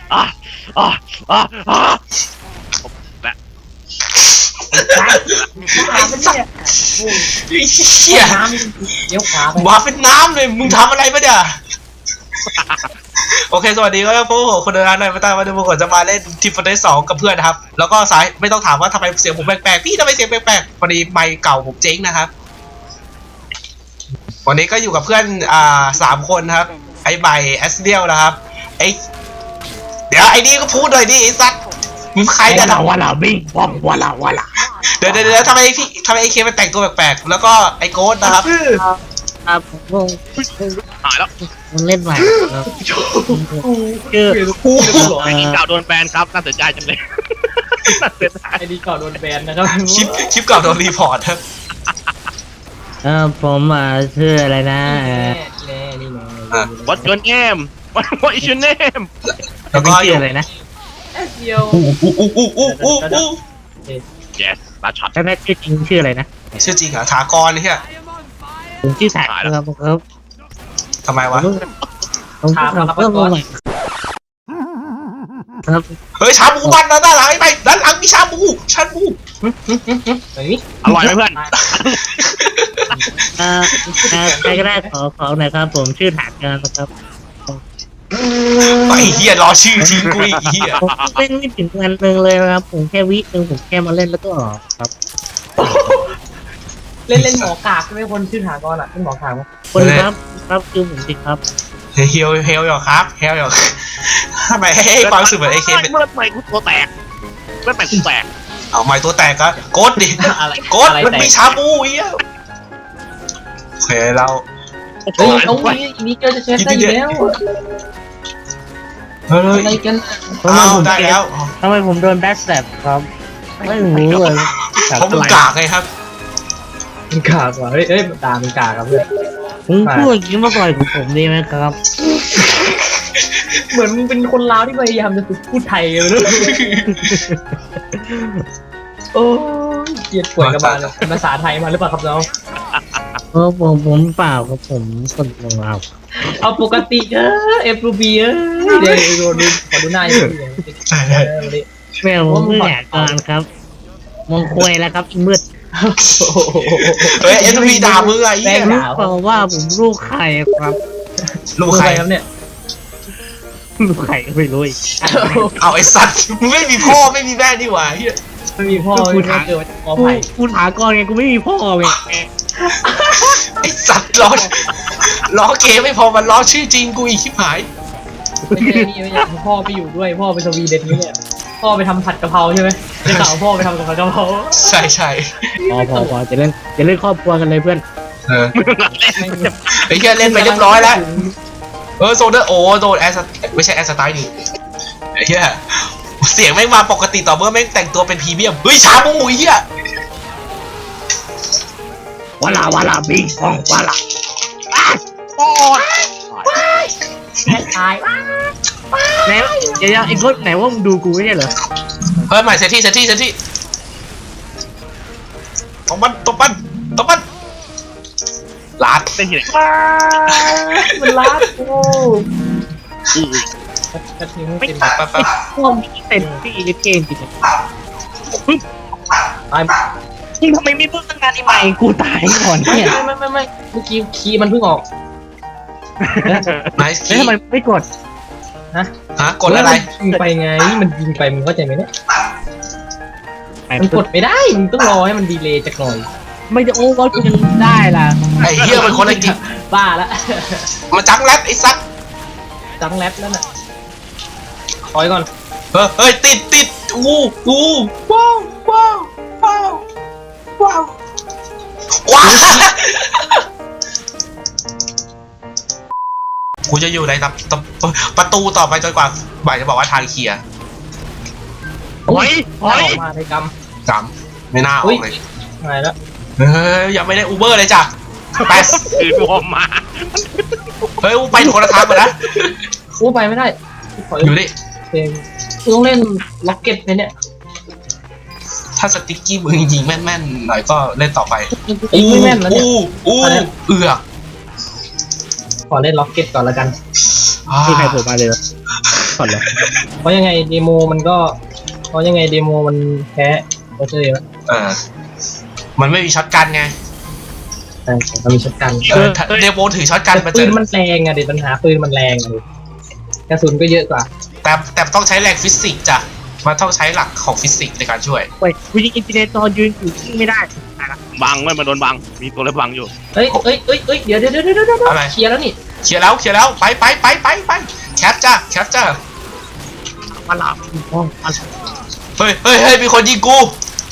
อ่ะอ่ะอ่ะอ่ะและไอ้สัตว์ไอ้เหี้ยน้ำเลี้ยวขวาไปมาเป็นน้ำเลยมึงทำอะไรปะเนี่ยโอเคสวัสดีครับพวกผมคนเดินทางในประเทศวันนี้ผมจะมาเล่นทีมฟอร์เรส2กับเพื่อนนะครับแล้วก็สายไม่ต้องถามว่าทำไมเสียงผมแปลกๆพี่ทำไมเสียงแปลกๆพอดีไมค์เก่าผมเจ๊งนะครับวันนี้ก็อยู่กับเพื่อน3 คนครับไอ้ใบแอสเดียลนะครับไอ้เดี๋ยวไอ้นี่ก็พูดหน่อยดิไอ้สัตว์มึงใครเนี่ยวาลาบิงววาลาเดี๋ยวทำไมไอ้เคมันแต่งตัวแปลกๆแล้วก็ไอ้โค้ดนะครับครับผมหายแล้วผมเล่นใหม่ครับชื่อไอ้กินเก่าโดนแบนครับน่าเสียใจจังเลยน่าเสียดายไอดีก่อนโดนแบนนะครับคลิปเก่าโดนรีพอร์ตครับผมชื่ออะไรนะแน่นี่แน่ What's your name What is your name แล้วก็ชื่ออะไรนะเดียว Yes ลาช็อตแล้วแม่ชื่อจริงชื่ออะไรนะชื่อจริงเหรอถากรเนี่ยผมชื่อถักครับครับทำไมวะผมชื่อถักเพิ่มมาใหม่ครับเฮ้ยชาบูมันด้านหลังไอ้ไปด้านหลังมีชาบูเฮ้ยอร่อยไหมเพื่อนใครก็ได้ขอหน่อยครับผมชื่อถักนะครับไอ้เหี้ยรอชื่อทิ้งกูอีกเหี้ยผมเล่นไม่ถึงวันนึงเลยครับผมแค่วินึงผมแค่มาเล่นแล้วก็ออกครับเล่นหมอกากใช่ไหมคนชื่อถากรอ่ะเป็นหมอกากมั้ยคนครับครับคือผมจริงครับเฮลหรอครับเฮลหรอทำไมให้ความรู้สึกเหมือนไอ้เคเป็นเมื่อไหร่กูตัวแตกเมื่อไหร่กูแตกเอาไม้ตัวแตกก็โกดดิอะไรโกดมันมีชาบูเหี้ยโอเคเราเฮ้ยเอานี่เกิดจะเช็ดได้อยู่แล้วเฮ้ยอะไรกันเอาได้แล้วทำไมผมโดนแบ็คแสบครับไม่รู้เลยเพราะมึงกากไงครับมันกากว่ะเฮ้ยตามันกากครับเพื่อนผมพูดอย่างนี้มาก่อนของผมดีไหมครับเหมือนมึงเป็นคนลาวที่พยายามจะฝึกพูดไทยเลยโอ้ยเกลียดป่วยกระบาลเป็นภาษาไทยมาหรือเปล่าครับน้องผมเปล่าครับผมคนลงเอาเอาปกติเอฟรูบีเดี๋ยวดูขอดูหน้าอย่างนี้แมวผมแหกก่อนครับมองควยแล้วครับมืดเฮ้ยเอ็นวีด่ามึงไงเหี้ยรู้เปล่าว่าผมลูกใครครับลูกใครครับเนี่ยลูกใครก็ไม่รู้อีกเอาไอ้สัตว์มึงไม่มีพ่อไม่มีแม่นี่หว่าเฮียไม่มีพ่อไม่เจอขอไผ่กูถามก่อนไงกูไม่มีพ่อไงไอ้สัตว์ล้อเกมไม่พอมันล้อชื่อจริงกูอีกชิบหายไม่ใช่นี่ไม่ใช่พ่อไปอยู่ด้วยพ่อไปสวีเดนนี่เนี่ยพ่อไปทำผัดกะเพราใช่ไหมจะข่าวพ่อไปทำผัดกะเพราใช่พอจะเล่นครอบครัวกันเลยเพื่อนเออเล่นไอ้เฮียเล่นไปเรียบร้อยแล้วโซเดอร์โดนแอสไม่ใช่แอสไตล์นี่ไอ้เฮียเสียงแม่งมาปกติต่อเมื่อแม่งแต่งตัวเป็นพรีเมียมเฮ้ยชาบูไอ้เฮียวาลาบิงของวาลาปอดตายไหนเดี๋ยวไอ้คนไหนว่ามึงดูกูไม่ใช่เหรอเฮ้ยใหม่เซตที่ตบมันลาดเป็นที่ไหนมันรักกูกระถิ่นเป็นไปพวกมีเต็มที่เกมจริงตายจริงทำไมไม่พูดตั้งนานนี่ใหม่กูตายก่อนเนี่ยไม่เมื่อกี้คีย์มันเพิ่งออกไนส์แล้วทำไมไม่กดฮะกดอะไรยิงไปไงมันยิงไปมึงเข้าใจไหมเนี่ยมันกดไม่ได้มึงต้องรอให้มันดีเลย์จากหน่อยไม่จะโอ้ก็ยังได้ล่ะไอ้เฮียมันคนละกิจบ้าละมาจังแรปไอ้สัตว์จังแรปแล้วน่ะถอยก่อนเฮ้ยติดอู้ว้าวกูจะอยู่ในประตูต่อไปจนกว่าบ่ายจะบอกว่าทางเคลียร์หอยออกมาในกรรมจำไม่น่าออกเลยหายแล้วเฮ้ยยังไม่ได้อูเบอร์เลยจ้ะไปคือรวมมาเฮ้ยไปคนละทางหมดนะอู้ไปไม่ได้ถอยอยู่ดิเพลงต้องเล่นล็อกเก็ตเนี่ยถ้าสติ๊กกี้มึงยิงแม่นๆหน่อยก็เล่นต่อไปไม่แม่นแล้วเนี่ยเอือกขอเล่นล็อกเก็ตก่อนแล้วกันที่ใครโผล่มาเลยก่อนเลยเพราะยังไงเดโมมันแพ้โอเคแล้วมันไม่มีช็อตกันไงใช่มันมีช็อตกันเดโมถือช็อตกันมันปืจะนมันแรงอะเด็ปัญหาปืนมันแรงอะกระสุนก็เยอะกว่าแต่ต้องใช้แรงฟิสิกส์จ้ะมันต้องใช้หลักของฟิสิกส์ในการช่วยเว้ยกูยิงอินฟินิตตอนยืนอยู่ที่ไม่ได้บังไม่มาโดนบังมีตัวเล็บบังอยู่เฮ้ยเดี๋ยวอะไรเคลียร์แล้วนี่เคลียร์แล้วไปแคปจ้ามาหลับห้องมาเฮ้ยมีคนยิงกู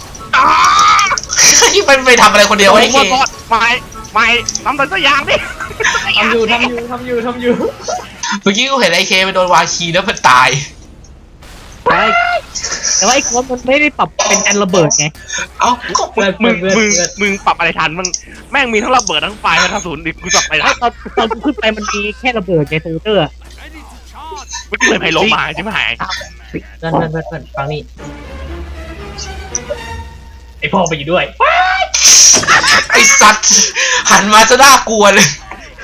มันไปทำอะไรคนเดียวไอ้เคไม่ทำแต่สักอย่างดิทำอยู่เมื่อกี้กูเห็นไอ้เคไปโดนวาคีแล้วมันตายแต่ว่าไอ้โค้ดมันไม่ได้ปรับเป็นการระเบิดไงเอ้าก็มึงปรับอะไรทันมึงแม่งมีทั้งระเบิดทั้งไฟทั้งกระสุนดิกูปรับไปทันตอนกูขึ้นไปมันมีแค่ระเบิดไงโซเตอร์ไม่เคยไพลงมาใช่ไหมหายเพื่อนฟังนี่ไอพ่อไปอยู่ด้วยไอ้สัตว์หันมาจะน่ากลัวเลย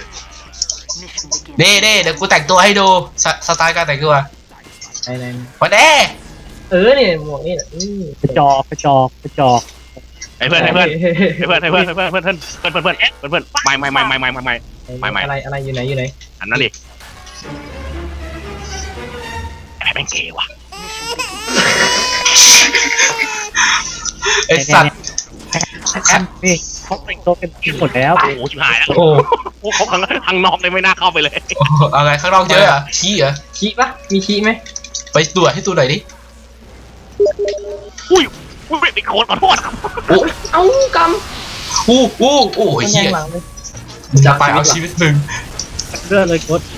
เด้เดี๋ยวกูแต่งตัวให้ดูสไตล์การแต่งตัวไหนมาเด้เนี่ยหมวกนี่กระจอกไอ้เพื่อนไม่อะไรอยู่ไหนอันนั้นดิไอ้แม่งเกว่ะไอ้สัตว์นี่เขาแต่งตัวเป็นทีมหมดแล้วโอ้โหชิบหายแล้วโอ้โอ้เขาข้างนอกเลยไม่น่าเข้าไปเลยอะไรข้างนอกเยอะอะขี้เหรอขี้ปะมีขี้ไหมไปตรวจให้ตัวหน่อยดิอุ้ยไปโคตรขอโทษครับเอ้ากโอ้ำยเฮียหลังเลยจะไปเอาชีวิตมึงเรื่องเลยโค้ด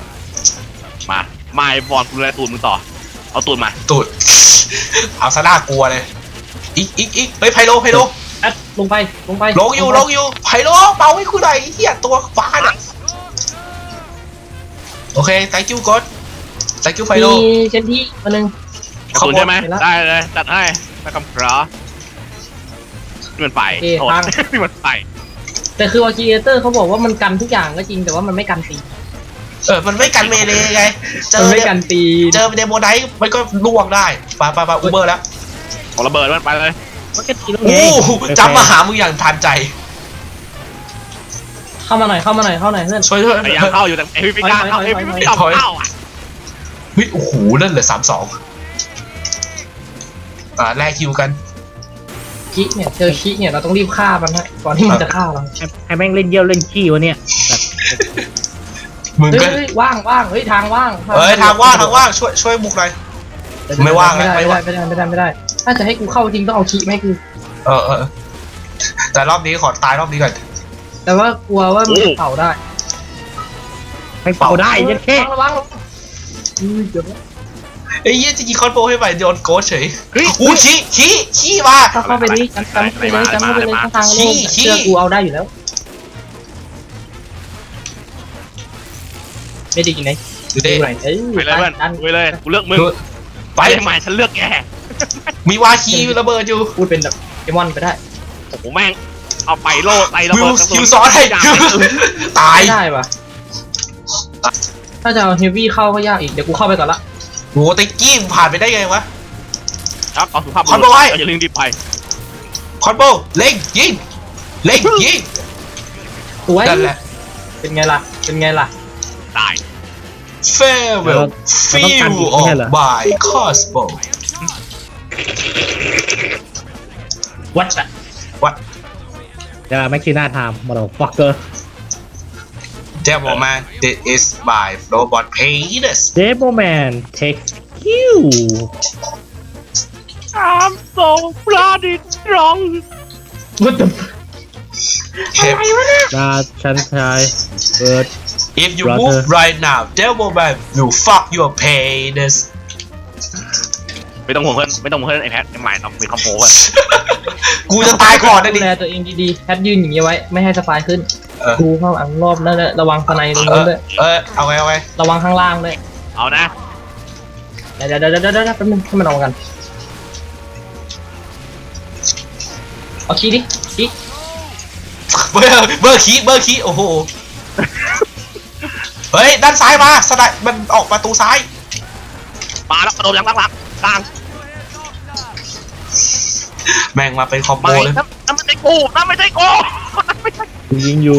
มาบอลกูเลยตูนมึงต่อเอาตูนมาตูดเอาซะน่ากลัวเลยอีกเฮ้ยไพโลแอดลงไปลงอยู่ไพโลเป่าให้กูหน่อยเฮียตัวฟ้าน่ะโอเค thank you God thank you ไพโลมีเชนที่มาหนึ่งกระสุนใช่ไหมได้เลยจัดให้ไม่คำครานี่มันไฟโทษนี่มันไฟแต่คือว่าคีเอเตอร์เขาบอกว่ามันกันทุกอย่างก็จริงแต่ว่ามันไม่กันตีมันไม่กันเมเลไงเจมันอไม่กันตีเดโมไนท์มันก็ล่วงได้ไปอูเบอร์แล้วของระเบิดมันไปเลยมันก็ตีแล้วไงโอ้จำมาหามึงอย่างทันใจเข้ามาหน่อยเพื่อนช่วยพยายามเข้าอยู่แต่ไอ้พี่กล้าเข้าไอ้พี่ไม่ยอมเข้าอ่ะเฮ้ยโอ้โหนั่นเหลือ3-2แลกคิวกันคิเนี่ยเจอคิเนี่ยเราต้องรีบฆ่ามันฮะก่อนที่มันจะฆ่าเราใครแม่งเล่นเยี่ยวเล่นขี้วะเนี่ยมึงก็เฮ้ยว่างเฮ้ยทางว่างทางว่างช่วยบุกหน่อย ไม่ว่างไม่ได้ถ้าจะให้กูเข้าจริงต้องเอาคิไม่กูแต่รอบนี้ขอตายรอบนี้ก่อนแต่ว่ากลัวว่ามันจะเผาได้ใครเป่าได้ยันแค่ระวังเดี๋ยวไอ้เหี้ยจะยิงคอนโบให้ใหม่โดนโกชเฉยอู้ขี้มาเข้าไปนี่จำเข้าไปเลยทางโล่งเชื่อกูเอาได้อยู่แล้วไม่ดีไหนดูดิไหนเอ้ยไปเลยเพื่อนไปเลยกูเลือกมึงไปไปใหม่ฉันเลือกแกมีวาคีระเบิดอยู่พูดเป็นแบบเดมอนไปได้โอ้โหแม่งเอาไปโล่ไประวิเบิวดคิวซ้อนให้ตายไม่ได้ปะถ้าจะเอาเฮฟวี่เข้าก็ยากอีกเดี๋ยวกูเข้าไปก่อนละโหติ๊กกี้ผ่านไปได้ไงวะครับเอาสุภาพคอนโบไว้อย่าลืมรีบไปคอนโบเล็งยิงสวยนั่นแหละเป็นไงล่ะตาย farewell feel of by cosmo วัดอะจะแม็กซีน่าไทม์มาแล้วฟักเกอร์ Devil Man this is by Flowbot Penis เดโมแมนเทคคิว I'm so bloody strong วัดนาชันชายเบิร์ด If you move right now Devil Man will fuck your penis ไม่ต้องห่วงเพื่อนไอ้แพทไอ้ใหม่ต้องมีคอมโบกันกูจะตายก่อนนะดูดิแลตัวเองดีๆแพทยืนอย่างนี้ไว้ไม่ให้สปายขึ้นกูเข้าอังรอบนั่นแหละระวังสไนตรงนู้นด้วยเอาไงระวังข้างล่างด้วยเอานะเดี๋ยวแป๊บนึงให้มันออกกันเอาคีดิคีเบอร์คีโอ้โห เฮ้ยด้านซ้ายมาสไนมันออกประตูซ้ายมาแล้วกระโดดอย่างหลังๆกลางแม่งมาเป็นคอมโบไม่เลยนั่นไม่ใช่กูนั่นไม่ใช่กูนั่นไม่ใช่ยิงอยู่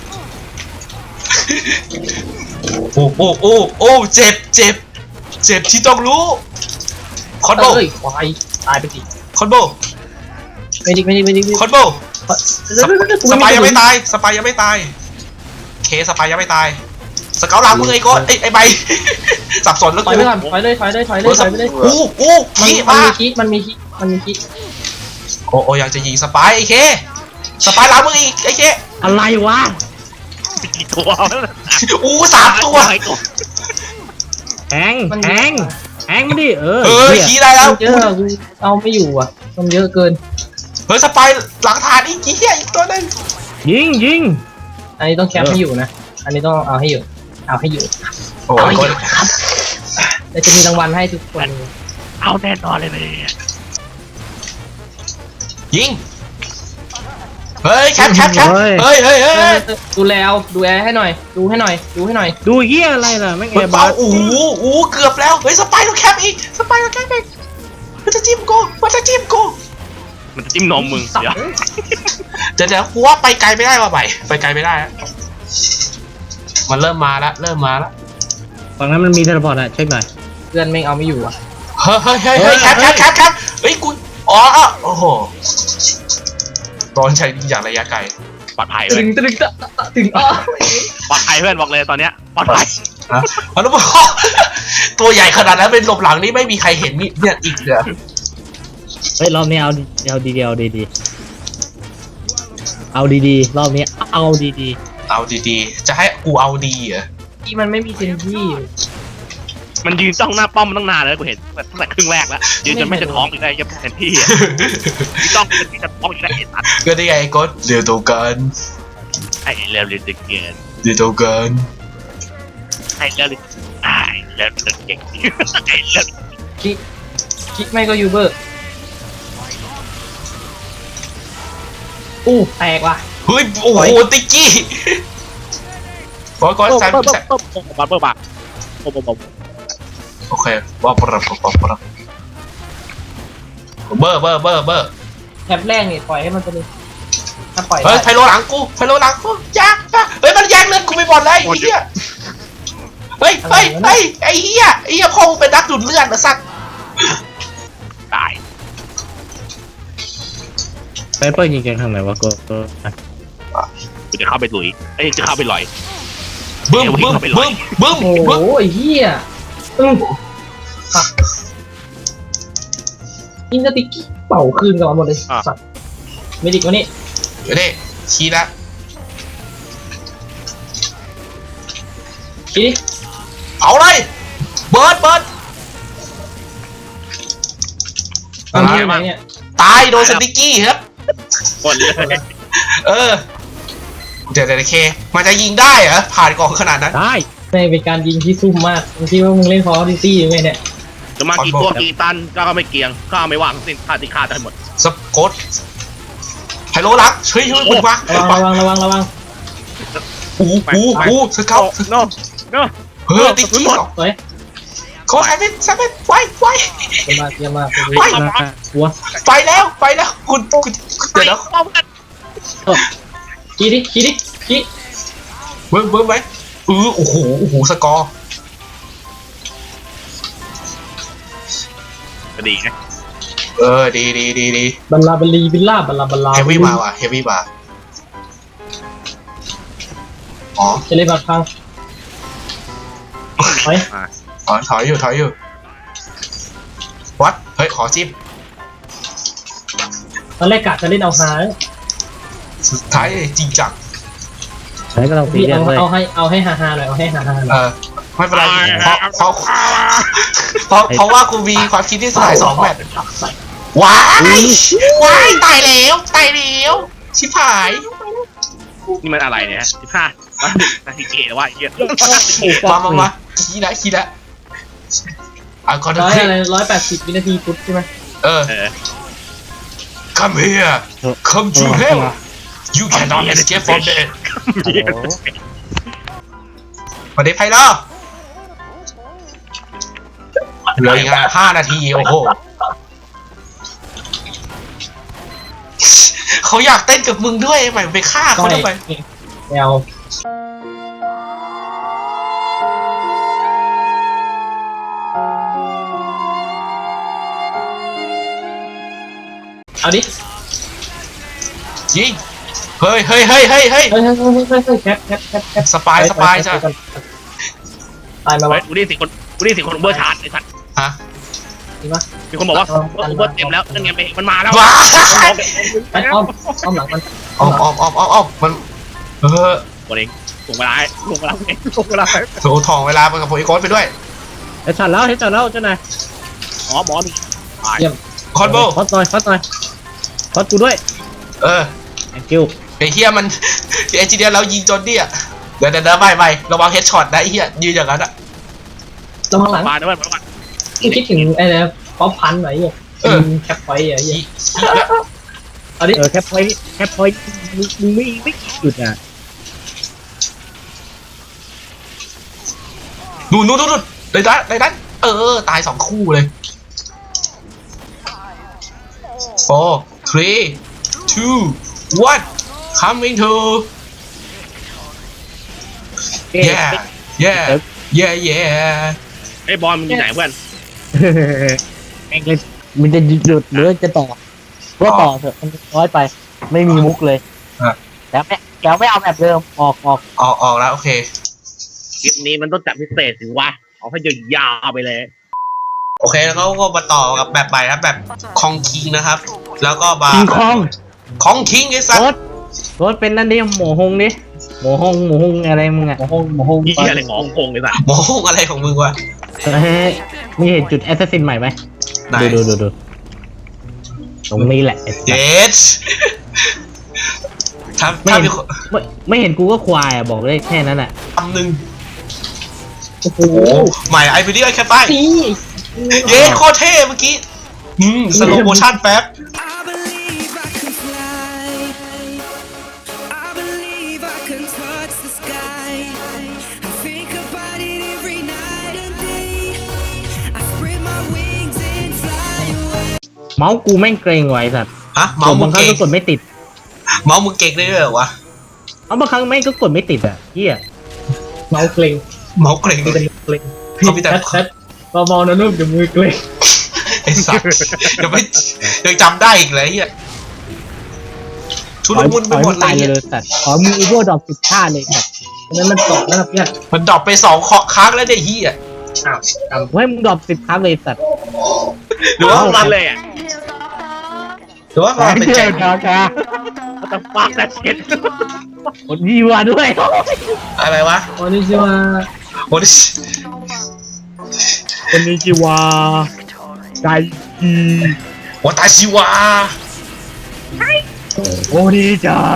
โอ้โอ้โอ้โอ้เจ็บเจ็บเจ็บที่ต้องรู้คอนโบเอ้ยควายตายไปสิคอนโบไม่ดิไม่ดิคอนโบสปายยังไม่ตายสปายยังไม่ตายเคสปายยังไม่ตายสเกลหลังมึงไอ้โก้ไอ้ใบสับสนแล้วถอยไปก่อนถอยเลยถอยเลยถอยเลยถอยไปเลยอู้ขี้มันมามีคิมันมีคิมันมีคิโอ้อยากจะยิงสปายไอ้เคสปายหลังมึงอีกไอ้เคอะไรวะกี่ตัวอู้3 ตัวแทงแทงแทงมาดิขี้ได้แล้วเยอะกูเอาไม่อยู่อ่ะมันเยอะเกินเฮ้ยสปายหลังฐานอีกเหี้ยอีกตัวนึงยิงอันนี้ต้องแคปให้อยู่นะอันนี้ต้องเอาให้อยู่เอาให้อยู่โอ้เอาให้ยอยู่ครับเดี๋ยวจะมีรางวัลให้ทุกคนเอาแน่นอนเลยเนี่ยยิงเฮ้ยแคปเฮ้ยดูแลเอาดูแลให้หน่อยดูให้หน่อยดูให้หน่อยดูเฮียอะไรล่ะแม่งมัแอน ร์เบาบัสอู้เกือบแล้วเฮ้ยสปายต้องแคปอีกสปายต้องแคปอีกมันจะจิ้มกูมันจะจิ้มกูมันจะจิ้มนมมึงเดี๋ยวเดี๋ยวกูว่าไปไกลไม่ได้ว่ะใหม่ไปไกลไม่ได้มันเริ่มมาแล้วฝั่งนั้นมันมีเทเลพอร์ตอะเช็คหน่อยเพื่อนไม่เอาไม่อยู่อ่ะเฮ้ยแคปเฮ้ยกูอ๋อโอ้โหโดนใช้อย่างระยะไกลปลอดภัยตึเว้ยงตึงตึงอ้อปลอดภัยเพื่อนบอกเลยตอนเนี้ยปลอดภัยนะมันต้องตัวใหญ่ขนาดนั้นเป็นหลบหลังนี่ไม่มีใครเห็นนี่เนี่ยอีกเหรอเฮ้ยรอบนี้เอาดีๆเอาดีๆเอาดีๆรอบนี้เอาดีเอาดีๆจะให้กูเอาดีเหรอที่มันไม่มีซินที่มันยืนจ้องหน้าป้อมมาตั้งนานแล้วกูเห็นตั้งแต่ครึ่งแรกแล้วยืนจนไม่จะท้องอีกได้ยังเห็นพี่อ่ะจ้องจนพี่จะท้องอีกได้เห็นตัดก็ได้ไงก็เดี๋ยวตัวกันไอ้เร็วเลยเกินเดี๋ยวตัวกันไอ้เร็วเลยไอ้เร็วเลยเก่งไอ้เร็วคิดไม่ก็ยูเบอร์อู้แตกว่ะเฮ้ยโอ้โหติ๊กกี้ก็แซมบัตเบอร์บักโอเคว่าปรับเบอร์แถบแรกนี่ปล่อยให้มันไปเลยถ้าปล่อยเฮ้ยไพโลหลังกูยักเฮ้ยมันแย่งเลือดกูไปหมดเลยไอ้เหี้ยเฮ้ยไอ้เหี้ยพงเป็นนักดูดเลือดนะสัตว์ตายๆไปเปิดยิงกันทางไหนวะก็กูจะเข้าไปลุยเอ้ยจะเข้าไปลอยบึ้มโอ้โหไอ้เหี้ยอินสติกเป่าคืนกันมาหมดเลยสัตว์เมดิกวันนี้เดี๋ยวดิชี้ละชี้เอาเลยเบิร์ดเอาที่ไหนเนี่ยตายโดนสติ๊กกี้ครับหมดเลยเดี๋ยวเคมันจะยิงได้เหรอผ่านกองขนาดนั้นได้ไม่เป็นการยิงที่ซุ่มมากบางทีว่ามึงเล่นคอร์ดิซี่ยังไงเนี่ยจะมากี่ตัวกี่ตันก็ไม่เกียงก็ไม่วางสิ้นค่าที่ค่าได้หมดสกอตไฮโลลักช่วยบุกมาระวังอู้สเกลโน่เฮ้ยติ๊กกี้สวยโค้ชไซเว่นไวเยี่ยมมากหัวไปแล้วคุณเดี๋ยวนะขี้ดิขี้เบิ้มไหมโอ้โหสกอร์ก็ดีไงดีบัลลาบัลลีบิลล่าบัลลาบัลลาเฮฟวี่มาว่ะเฮฟวี่มาอ๋อจะเล่นบัตรพังถอยอยู่วัดเฮ้ยขอจิ้มตอนแรกกะจะเล่นเอาฮาสุดท้ายจริงจังใช้ก็เราตีพี่กันเลยเอาให้ฮาหน่อยเอาให้ฮาหน่อยไม่เป็นไรเพราะว่ากูมีความคิดที่สาย2แบบว้ายตายแล้วชิบหายนี่มันอะไรเนี่ย15นาทีเกว่าเยอะมาขี้ละก่อนจะ 180 วินาทีปุ๊บใช่ไหม Come here come to hell you cannot escape from there มาได้ไพ่ล่ะเหลืออีก5 นาทีโอ้โหเขาอยากเต้นกับมึงด้วยใหม่ไปฆ่าเขาทำไมแมวเอาดิยิงเฮ้ยแคปสปายจ้ะตายมาเฮ้วะยกูได้สิคนเบอร์ชาร์จไอ้สัตว์ฮะจริงปะมีคนบอกว่าเบอร์เต็มแล้วนั่นไงมันมาแล้วว้าไปอ้อมหลังมันออกมันตัวเองส่งเวลาส่งเวลาโถทองเวลาไปกับผมอีกคนไปด้วยเฮ้ยจัดแล้วเจ้านายหมอนี่คอนโบคอสหน่อยคอสกูด้วย thank you ไอ้เฮียมันไอ้จีเดียเรายิงจนดิอ่ะเดี๋ยวไม่ระวังเฮดช็อตนะไอ้เฮียยืนอย่างนั้นอ่ะลงข้างหลังมาด้วยคิดถึงไอ้เนี่ยป๊อปพันไหนเนี่ยแคปไฟอ่ะยี่เอาดิแคปพอยต์มึงไม่หยุดอ่ะนู่นในนั้นตาย2 คู่เลย 4 3 2 1 coming to yeah ไอ้บอลมันอยู่ไหนเพื่อนมันจะหยุดหรือจะต่อก็ต่อเถอะมันน้อยไปไม่มีมุกเลยแล้วไม่เอาแบบเดิมออกแล้วโอเคคลิปนี้มันต้องจัดพิเศษถึงว่าเอาให้ยาวไปเลยโอเคแล้วก็มาต่อกับแบบใหม่ครับแบบคองคิงนะครับแล้วก็บาคิงคองของคิงไอ้สัสรถเป็นนั่นดิหมูฮงดิหมูฮงอะไรมึงอ่ะหมูฮงยี่อะไรของโกงเลยสัตว์โมโหอะไรของมึงวะมีเห็นจุดแอสซัสซินใหม่ไหมไหนดูตรงนี้แหละเดชถ้ามีไม่เห็นกูก็ควายอ่ะบอกเลยแค่นั้นอ่ะ 1 โอ้โหโอ้ใหม่ไอพีดีไอแคปไปตีเย้โคตรเท่เมื่อกี้สโลโมชั่นแป๊บ I believe I can fly. I believe I can touch the sky. I think about it every night and day. I spread my wings and fly away. เมาส์กูแม่งเกรงไว้สัตว์ฮะเมาส์มึบาง งครั้งเก่งก็กดไม่ติดเมาส์มึงเก่งได้ด้วยเหรอวะเอาบางครั้งแม่งก็กดไม่ติดอ่ะเฮียเมาเกรงเมาส์เก่งเป็นเกรงเขามีแต่แชทเบาๆนะลูกเดี๋ยวมือเกรงไอ้สัสยังจำได้อีกเลยเฮียชุลมุนไปหมดเลตายยเลยสัตว์ขอมืออีโวดอก10 ท่าเลยสัตว์นั้นมันตกนะครับเนี่ยมันดรอปไป2 ครั้งแล้วเนี่ยเฮียให้มึงดอก10 ครั้งเลยสัตว์หรือว่าเอามัมัน นเลยอ่ะหรือว่ามันเป็นแจ็คมันต้องฟังแต่เช็ดกดยีวาด้วยอะไรวะโอ้นี่ชื่อว่าโอ้ดิคนนี้จีวาไกจีวาตาชิวะโอดีจัง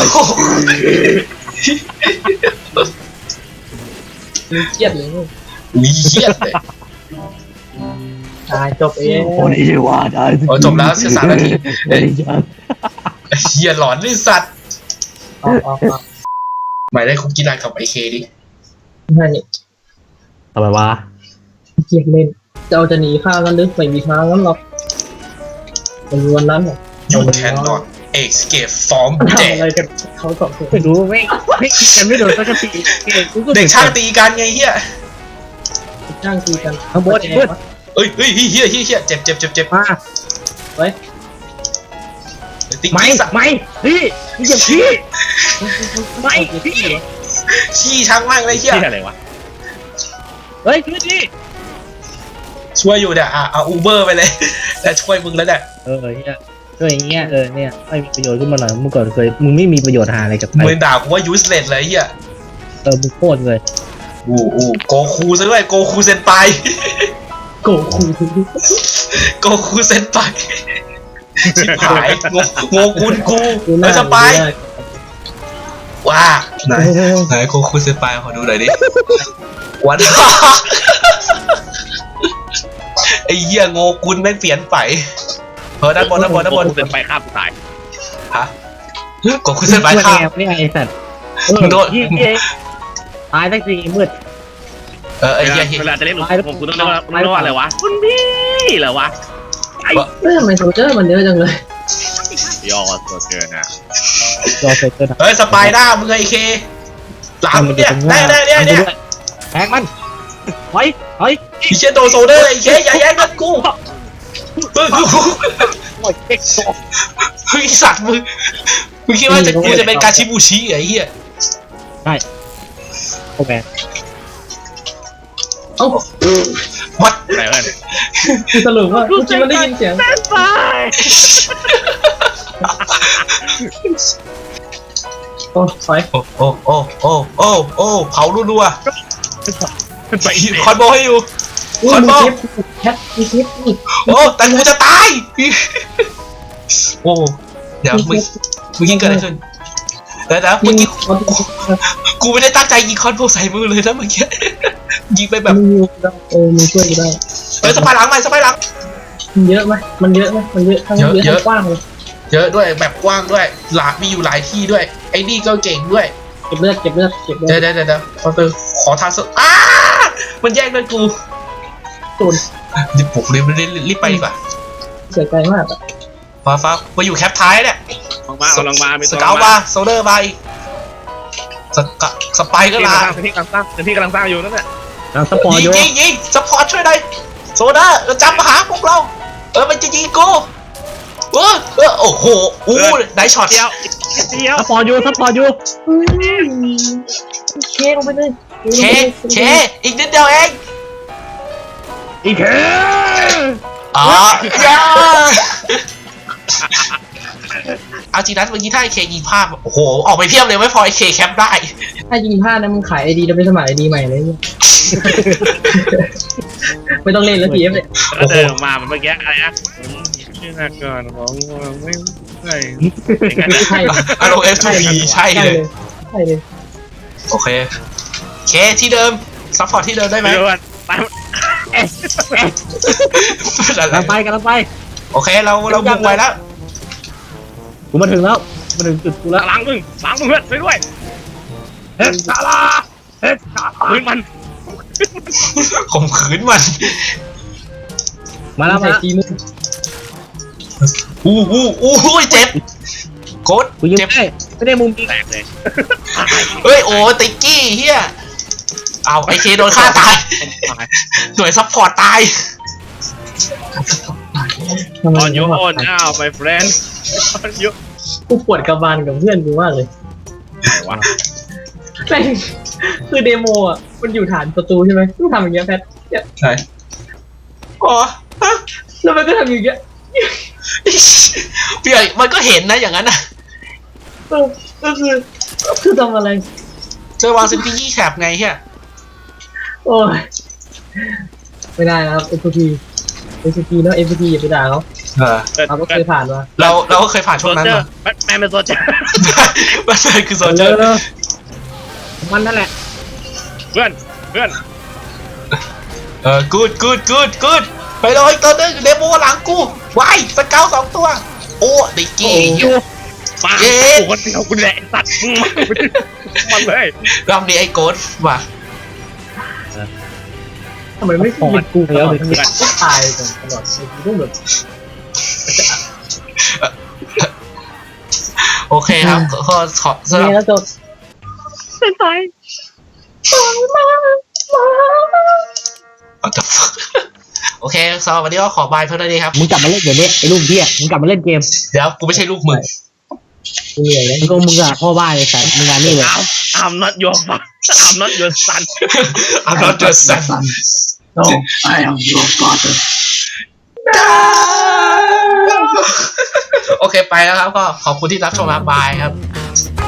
เครียดเลยลูกอุ้ยเฮียเลยตายจบเองโอดีจีวาได้โอ้จบแล้วเสีย3 นาทีโอดีจังเฮียหลอนเลยสัตว์เอาหมายได้คุกกี้ไลน์กับไอเคดินั่นนี่ทำไมวะเครียดเล่นจะหนีข้าวกันหรือไม่มีทางนั้นหรอกในวันนั้นอ่ะ You cannot escape from ทำ death อะไรกันเขาสองคนไม่รู้ไม่คิดกันไม่โดนสักทีกูก็เด็กช่างตีกันไงเฮียจ้างตีกันข้างบนเฮ้ยเอ้ยเฮียเจ็บมาเฮ้ยติ๊กไม่กี้สัตว์ไม่พี่มึงอย่าพี่ไม่พี่ขี้ช่างมากเลยเฮียที่อะไรวะเฮ้ยช่วยดิช่วยอยู่เนี่ยเอาอูเบอร์ไปเลย แต่ช่วยมึงแล้วเนี่ยเนี่ยช่วยอย่างเงี้ยเนี่ยไม่มีประโยชน์ขึ้นมาหน่อยเมื่อก่อนมึงไม่มีประโยชน์หาอะไรกับใครมึงด่ากูว่า useless เลยเฮียมึงโคตรเลยโกคูซะด้วยโกคูเซนไปโกคูโกคูเซนไปชิบหายโงกุนกูแล้วจะไปว่าไหนโกคูเซนไปขอดูหน่อยดิวัน ไอ้เหี้ยโงกุนแม่งเปลี่ยนไปด้านบนเดินไปข้ามตายฮะโกคูเซนไปข้ามนี่ไงไอ้สัตว์โดนตายสักทีมืดไอ้เหี้ยเวลาจะเรียกผมกูต้องเรียกว่าอะไรวะคุณพี่เหรอวะทำไมโซลเจอร์มันเยอะจังเลยยอดตัวเกินอ่ะรอเสร็จเกินเฮ้ยสไปด้ามึงไอ้เคหลังเนี่ยเนี่ยแทงมันเฮ้ยไอ้เชี่ยโดโซเดอร์ไอ้เคอย่าแย่งกันกูโอ้ยเอ็กโซเฮ้ยสัตว์มึงคิดว่ากูจะเป็นกาชิบูชิไอ้เหี้ยโอ้แม่เอ้าวัดอะไรเพื่อนคือสรุปว่าเมื่อกี้มันได้ยินเสียงไปโอ้ถอยโอ้เผารัวไปอีกๆคอนโบให้อยู่อุ้คยอนมีโบคลิปแคทมีคลิปนี่โอ้แต่กูจะตายโอ้เดี๋ยวมึงยิงเกิดอะไรขึ้นเดี๋ยวเมื่อกี้กูไม่ได้ตั้งใจยิงคอนโบใส่มือเลยนะเมื่อกี้ยิงไปแบบมึงช่วยกูได้เฮ้ยสไปหลังใหม่สไปหลังมันเยอะไหมมันเยอะไหมมันเยอะทั้งเยอะทั้งกว้างเลยเยอะด้วยแบบกว้างด้วยมีอยู่หลายที่ด้วยไอ้นี่ก็เก่งด้วยเก็บเลือดเก็บเลือดเก็บเลือเดี๋ยดวขอทางมันแย่งเงินกูตูนรีบปลุกรีบไปดีกว่าเสียใจมากอะฟ้ามาอยู่แคปท้ายเนี่ยลองมามีสเกลมาโซเดอร์มาอีกสไปก็ที่มากำลังสร้างที่กำลังสร้างอยู่นั่นแหละยังสปอร์ตอยู่ยิงสปอร์ตช่วยหน่อยโซเดอร์จำมาหาพวกเรามันจะยิงกูโอ้โหได้ช็อตเดียวสปอร์ตอยู่เคลงไปเลยเคอีกนิดเดียวเองอีกแค่เอาจริงนะเมื่อกี้ถ้าไอเคยิงพลาดโอ้โหออกไปเพียบเลยไม่พอไอเคแคปได้ถ้ายิงพลาดนะมึงขายไอดีแล้วไปสมัครไอดีใหม่เลยไม่ต้องเล่นแล้วทีเอฟเลยแล้วเดินออกมาเมื่อกี้อะไรนะชื่อนักก่อนผมไม่ใช่ใช่อารมณ์ F2P ใช่เลยใช่เลยโอเคเคที่เดิมซัพพอร์ตที่เดิมได้ไหมเดี๋ยวก่อนไปกำลังไปโอเคเราบุกไปแล้วกูมาถึงจุดกูแล้วหลังมึงเพื่อนไปด้วยเฮ็ดซาลาปืนมันข่มขืนมันมาแล้วใส่ทีมึงเจ็บโคตรกูยิงเจ็บไม่ได้มุมจริงแตกเลยเฮ้ยโอ้ติ๊กกี้เฮียเอาไอเคโดนฆ่าตายหน่วยซัพพอร์ตตายตอนยูโอนอ้าว my friend ตอนยูกูปวดกระบาลกับเพื่อนกูมากเลยไหนวะแม่งคือเดโมอ่ะมันอยู่ฐานประตูใช่ไหมต้องทำอย่างเงี้ยแพทใช่อ๋อแล้วมันก็ทำอย่างเงี้ยพี่ใหญ่มันก็เห็นนะอย่างนั้นนะก็คือทำอะไรเจอวางซินปี้ยี่แคปไงเฮียโอ้ยไม่ได้นะครับ FP เนาะ FP อย่าไปด่าเขาเราก็เคยผ่านมาเราก็เคยผ่านช่วงนั้นมาแม่เป็นโซเจอร์มันคือโซเจอร์มันนั่นแหละเพื่อนกูดไปเลยตัวนึงเดโมหลังกูวายสเกล2 ตัวโอ้ติ๊กกี้มากูคนเดียวกูแหละสัตว์มันเลยรอบนี้ไอ้โกดว่ะทำไมไม่หยุดกูตลอดไม่ตายกันตลอดกูต้องแบบโอเคครับขอสำหรับนี่แล้วจบเป็นไงโอเคสำหรับวันนี้ก็ขอบายเท่านั้นเองครับมึงกลับมาเล่นเดี๋ยวนี้ไอ้ลูกพี่มึงกลับมาเล่นเกมเดี๋ยวกูไม่ใช่ลูกมึงกูเหนื่อยแล้วมึงอะพ่อบ้านเลยสัตว์มึงงานนี่เลย I'm not your father I'm not your son I'm not your son No I am your father โอเคไปแล้วครับก็ขอบคุณที่รับชมครับบายครับ